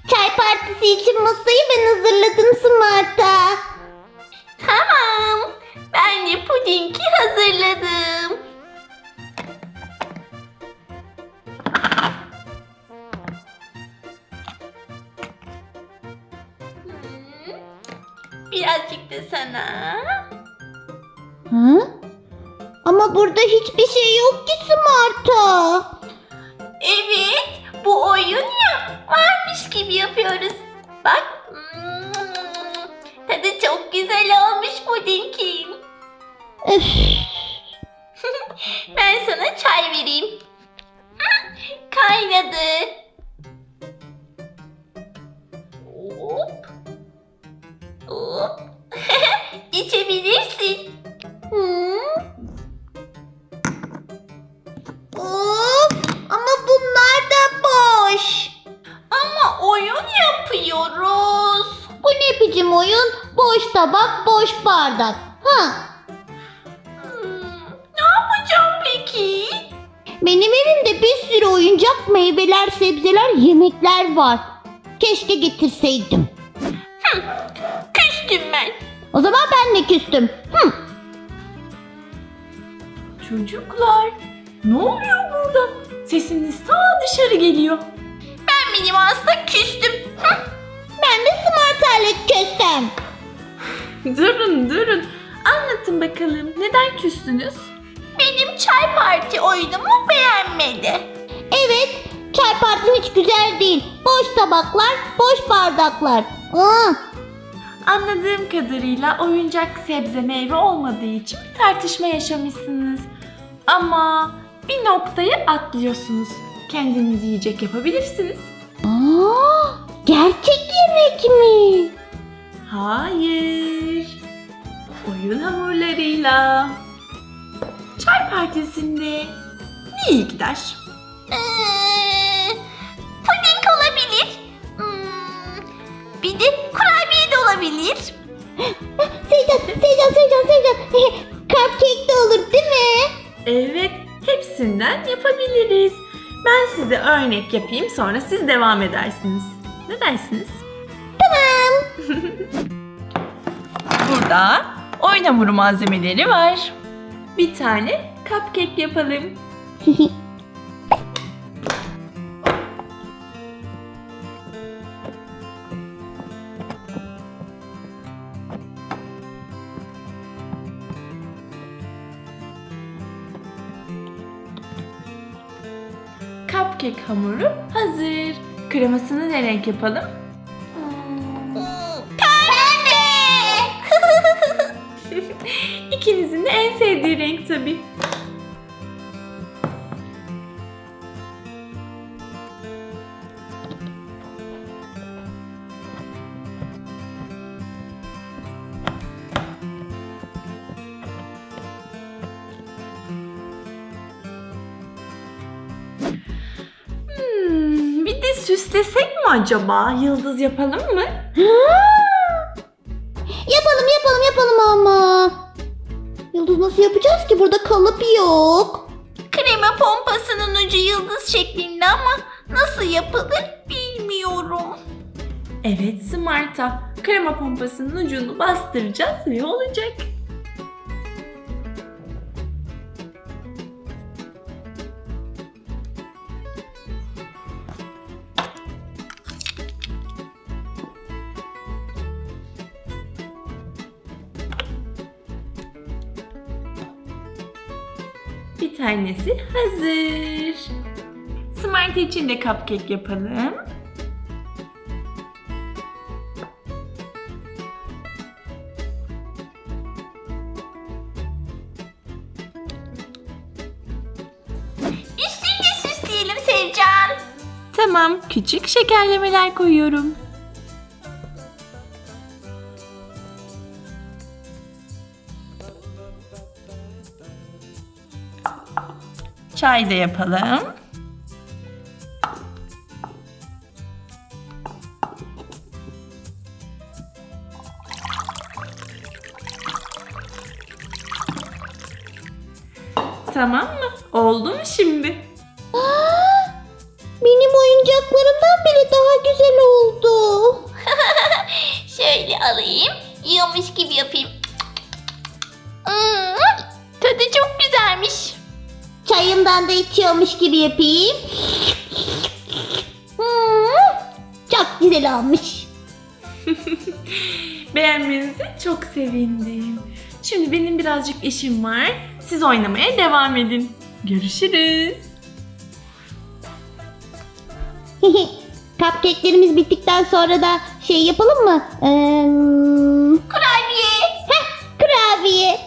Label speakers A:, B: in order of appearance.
A: Çay partisi için masayı ben hazırladım Smart'a.
B: Tamam. Ben de pudingi hazırladım. Birazcık da sana.
A: Hı? Ama burada hiçbir şey yok ki Smart'a.
B: Evet, bu oyun ya, varmış gibi yapıyoruz. Bak, tadı çok güzel olmuş pudingin.
A: Öf.
B: Ben sana çay vereyim. Kaynadı. Hop. Hop. İçebilirsin.
A: Hı? Of, ama bunlar da boş.
B: Ama oyun yapıyoruz.
A: Bu ne biçim oyun? Boş tabak, boş bardak. Ha?
B: Ne yapacağım peki?
A: Benim evimde bir sürü oyuncak, meyveler, sebzeler, yemekler var. Keşke getirseydim.
B: Küstüm ben.
A: O zaman ben de küstüm. Hı.
C: Çocuklar, ne oluyor burada? Sesiniz ta dışarı geliyor.
B: Ben benim aslında küstüm.
A: Ben de Smart'la küstüm.
C: Durun. Anlatın bakalım, neden küstünüz?
B: Benim çay parti oyunumu beğenmedi.
A: Evet, çay partim hiç güzel değil. Boş tabaklar, boş bardaklar. Aa,
C: Anladığım kadarıyla oyuncak sebze meyve olmadığı için bir tartışma yaşamışsınız. Ama bir noktayı atlıyorsunuz. Kendiniz yiyecek yapabilirsiniz.
A: gerçek yemek mi?
C: Hayır. Oyun hamurlarıyla. Çay partisinde ne iyi gider?
B: Puding olabilir. Bir de kurabiye de olabilir.
A: Seycan. Cupcake de olur değil mi?
C: Evet, hepsinden yapabiliriz. Ben size örnek yapayım, sonra siz devam edersiniz. Ne dersiniz?
A: Tamam.
C: Burada oyun hamuru malzemeleri var. Bir tane cupcake yapalım. Cupcake hamuru hazır. Kremasını ne renk yapalım?
B: Pembe.
C: İkinizin de en sevdiği renk tabii. Bir de süslesek mi acaba? Yıldız yapalım mı?
A: Yapalım ama. Yıldız nasıl yapacağız ki? Burada kalıp yok.
B: Krema pompasının ucu yıldız şeklinde ama nasıl yapılır bilmiyorum.
C: Evet Smart'a. Krema pompasının ucunu bastıracağız ve olacak. Bir tanesi hazır. Smart için de cupcake yapalım.
B: Üstünde süsleyelim Sevcan.
C: Tamam, küçük şekerlemeler koyuyorum. Çay da yapalım. Tamam mı? Oldu mu şimdi?
A: Benim oyuncaklarımdan bile daha güzel oldu. yandan da içiyormuş gibi yapayım. Çok güzel olmuş.
C: Beğenmenize çok sevindim. Şimdi benim birazcık işim var. Siz oynamaya devam edin. Görüşürüz.
A: Cupcake'lerimiz bittikten sonra da şey yapalım mı?
B: Kurabiye.
A: Kurabiye.